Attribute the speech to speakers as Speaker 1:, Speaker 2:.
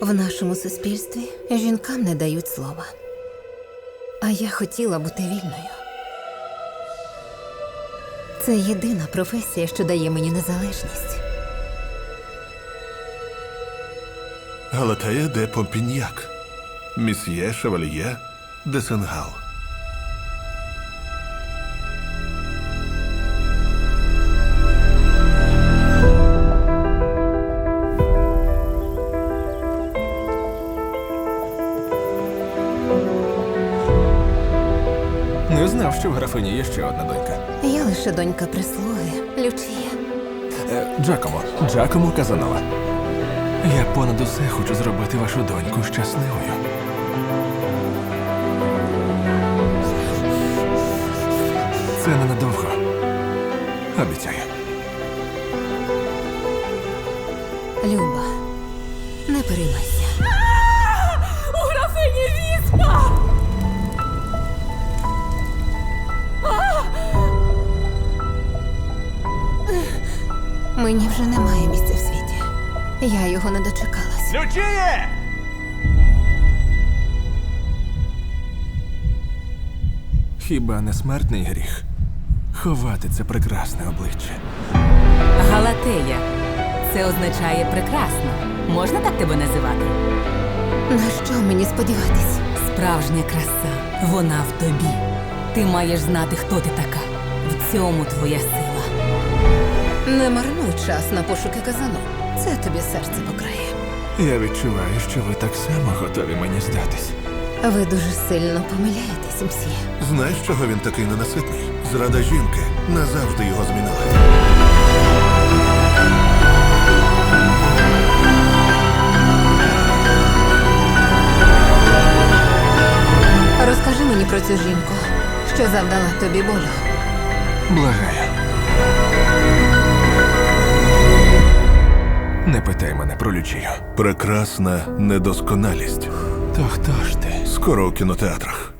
Speaker 1: В нашому суспільстві жінкам не дають слова. А я хотіла бути вільною. Це єдина професія, що дає мені незалежність.
Speaker 2: Галатея де Помпіньяк, Місьє Шевальє де Сенгал.
Speaker 3: Не знав, що в графині є ще одна донька.
Speaker 1: Я лише донька прислуги, Лючія.
Speaker 3: Джакомо Казанова. Я понад усе хочу зробити вашу доньку щасливою. Це ненадовго. Обіцяю.
Speaker 1: Люба, не переймайся.
Speaker 4: У графині віспа!
Speaker 1: Мені вже немає місця в світі. Я його не дочекалась.
Speaker 3: Лючіє! Хіба не смертний гріх ховати це прекрасне обличчя?
Speaker 4: Галатея. Це означає прекрасно. Можна так тебе називати?
Speaker 1: На що мені сподіватись?
Speaker 4: Справжня краса. Вона в тобі. Ти маєш знати, хто ти така. В цьому твоя сила.
Speaker 1: Не марнуй час на пошуки казану. Це тобі серце покрає.
Speaker 3: Я відчуваю, що ви так само готові мені здатись.
Speaker 1: Ви дуже сильно помиляєтесь, мсьє.
Speaker 2: Знаєш, чого він такий ненаситний? Зрада жінки назавжди його змінила.
Speaker 1: Розкажи мені про цю жінку, що завдала тобі болю.
Speaker 3: Благаю. Не питай мене про Лючію.
Speaker 2: Прекрасна недосконалість.
Speaker 3: То хто ж ти?
Speaker 2: Скоро у кінотеатрах.